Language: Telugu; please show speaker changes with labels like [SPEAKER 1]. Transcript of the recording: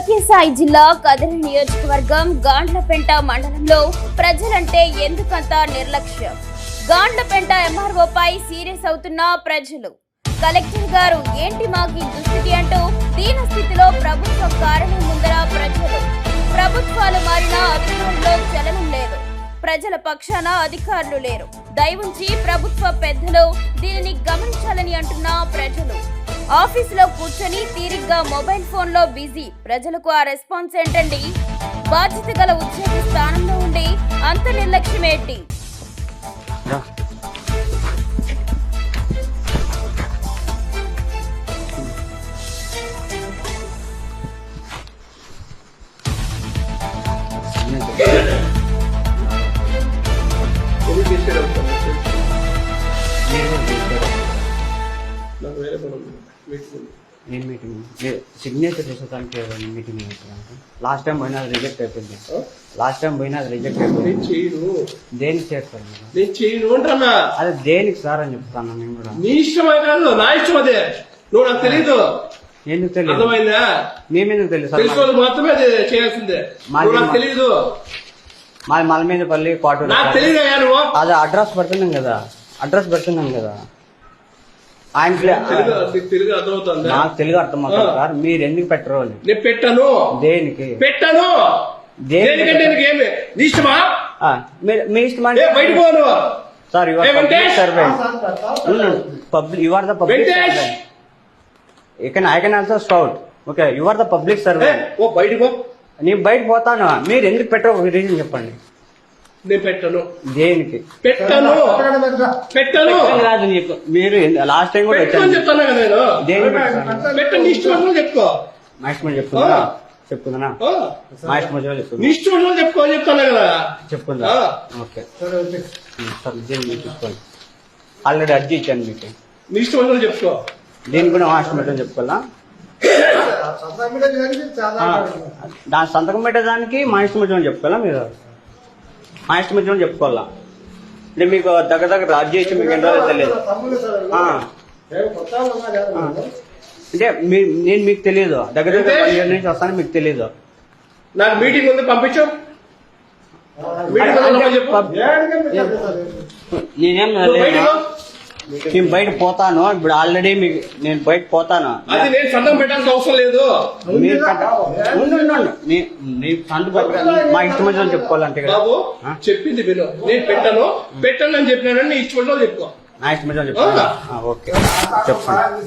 [SPEAKER 1] సత్యసాయి జిల్లా కదిరి నియోజకవర్గం గాండ్లపెంట మండలంలో ప్రజలంటే ఎందుకంత నిర్లక్ష్యం? గాండ్లపెంట ఎంఆర్ఓపై సీరియస్ అవుతున్న ప్రజలు. కలెక్టర్ గారు ఏంటి మాకి దుస్థితి అంటూ దీన స్థితిలో ప్రభుత్వ కారణం ముందర ప్రజలు. ప్రభుత్వాలు మారినా అధికారుల్లో చలనం లేదు, ప్రజల పక్షాన అధికారులు లేరు. దయవుంచి ప్రభుత్వ పెద్దలు దీనిని గమనించాలని అంటున్న ప్రజలు. ఆఫీసులో కూర్చొని తీరిగ్గా మొబైల్ ఫోన్ లో బిజీ ప్రజలకు ఆ రెస్పాన్స్ ఏంటండి? బాధ్యత గల ఉద్యోగి స్థానంలో ఉండి అంత నిర్లక్ష్యం ఏంటి?
[SPEAKER 2] నేను మీటింగ్ సిగ్నేచర్ చేసేదానికి మీటింగ్ లాస్ట్ టైం పోయినా అది రిజెక్ట్ అయిపోయింది. దేనికి చేస్తాను
[SPEAKER 3] నేను చేయను అంటున్నా.
[SPEAKER 2] అదే దేనికి సార్ అని చెప్తాను. నేను కూడా
[SPEAKER 3] నీ ఇష్టమే కాదు, నా ఇష్టం అదే. నువ్వు నాకు తెలీదు.
[SPEAKER 2] ఎందుకు తెలియదు?
[SPEAKER 3] అర్థమైందా?
[SPEAKER 2] మేమెందుకు తెలియదు సార్?
[SPEAKER 3] తెలుసుకోవాలి మాత్రమే అది చేయాల్సిందే. నాకు తెలీదు.
[SPEAKER 2] మాది మలమీదపల్లి క్వార్టర్.
[SPEAKER 3] నాకు తెలియదు. నువ్వు
[SPEAKER 2] అదే అడ్రస్ పెడుతున్నాం కదా. ఆయన
[SPEAKER 3] తెలుగు అర్థమవుతుంది.
[SPEAKER 2] నాకు తెలుగు అర్థమవుతుంది సార్. మీరు ఎందుకు పెట్టరు అని.
[SPEAKER 3] నేను పెట్టను.
[SPEAKER 2] దేనికి
[SPEAKER 3] పెట్టను? దేనికంటే నీకేమి నీ ఇష్టమా?
[SPEAKER 2] మీ ఇష్టమా?
[SPEAKER 3] బయట పోను
[SPEAKER 2] sir. You are the public servant. I can also scout. Okay, you are the public servant.
[SPEAKER 3] ఓ బయట పో.
[SPEAKER 2] నేను బయట పోతాను. మీరు ఎందుకు పెట్టరు? ఒక రీజన్ చెప్పండి.
[SPEAKER 3] నేను పెట్టను.
[SPEAKER 2] దేనికి
[SPEAKER 3] పెట్టను?
[SPEAKER 2] కాదు నీకు. మీరు లాస్ట్ టైం కూడా
[SPEAKER 3] చెప్తాను కదా నేను.
[SPEAKER 2] దేనికి
[SPEAKER 3] పెట్టను? నీ ఇష్టం చెప్పుకో.
[SPEAKER 2] మా ఇష్టం చెప్పుకుందా? మా ఇష్టం చెప్పుకుందా?
[SPEAKER 3] నీ ఇష్టం చెప్పుకో చెప్తాను కదా.
[SPEAKER 2] చెప్పుకుందా? ఓకే సార్, దీన్ని చూసుకోండి. ఆల్రెడీ అర్జీ ఇచ్చాను మీకు.
[SPEAKER 3] నీ ఇష్టం చెప్పుకో.
[SPEAKER 2] దీన్ని కూడా మా ఇష్టం చెప్పుకోవాలా? దాని సంతకం పెట్టేదానికి మా ఇష్టం చెప్పుకోవాలా? మీరు మా ఇష్టం చెప్పుకోవాలా? అంటే మీకు దగ్గర అర్జీ ఇచ్చి మీకు ఎన్ని రోజులు తెలియదు అంటే నేను మీకు తెలియదు. దగ్గర నుంచి వస్తాను మీకు తెలియదు.
[SPEAKER 3] నాకు మీటింగ్ ఉంది, పంపించు.
[SPEAKER 2] నేనేం నేను బయట పోతాను. ఇప్పుడు ఆల్రెడీ మీకు నేను బయట పోతాను.
[SPEAKER 3] అది నేను సంతకం పెట్టాల్సిన అవసరం లేదు.
[SPEAKER 2] మీరు సంతకం మా ఇష్టం వచ్చిన చెప్పుకోవాలంటే
[SPEAKER 3] బాబు చెప్పింది విను. నేను పెట్టను అని చెప్పినానని నీ ఇష్టం చెప్పుకో.
[SPEAKER 2] నా ఇష్టం చెప్పుకోవాలి. ఓకే చెప్పండి.